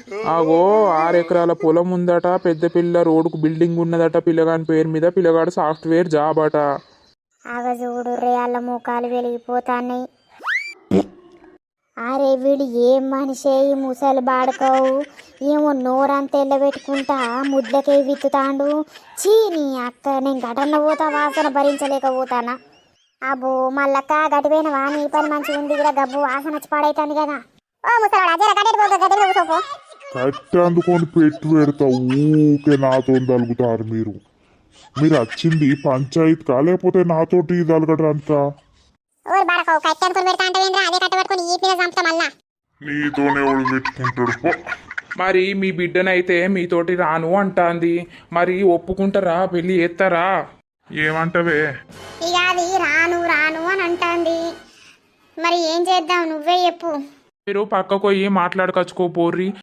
ఆగో 6 ఎకరాల పొలం ఉందట, పెద్ద పిల్ల రోడ్డుకు బిల్డింగ్ ఉన్నదట పిల్లగాని పేరు మీద, పిల్లగాడు సాఫ్ట్వేర్ జాబ్ అట. ఆగ చూడు రే అల్ల ముఖాలు వెలిగిపోతాన్నాయి. అరే వీడు ఏం మనిషే ఈ ముసలి బాడుకోవు, ఏమో నోరంతా ఎల్లబెట్టుకుంటా ముద్లకే విత్తుతాండు. చీ నీ అక్క, నేను ఘటనలో పోతా వాసన భరించలేకపోతానా. అబ్బో మల్లక్క గడిపోయినవా, నీ పని మంచిగా ఉంది కదా, గబ్బు వాసన వచ్చి పాడైతుంది కదా. ఓ ముసలాడా జర గడ్డెడు కూసోపో. కట్టె అందుకొని పెట్టి పెడతా, ఊకే నాతో తలుగుతారు మీరు. మీరు వచ్చింది పంచాయత్ లేకపోతే నాతోటి తలగడంతా. ఓరి బాడకో కట్టె అనుకుని పెడతా అంటే అదే కట్ట పట్టుకొని ఈ మీద చంపుతా మళ్ళా. నీతోనే ఎవడు పెట్టుకుంటాడు పో. మరి మీ బిడ్డనైతే మీతోటి రాను అంటాంది, మరి ఒప్పుకుంటారా, పెళ్లి చేస్తారా? ఏమంటవే? ఇక అది రాను రాను అని అంటాంది, మరి ఏం చేద్దాం నువ్వే చెప్పు. మీరు పక్కకు పోయి మాట్లాడుకొచ్చుకోపోర్రి,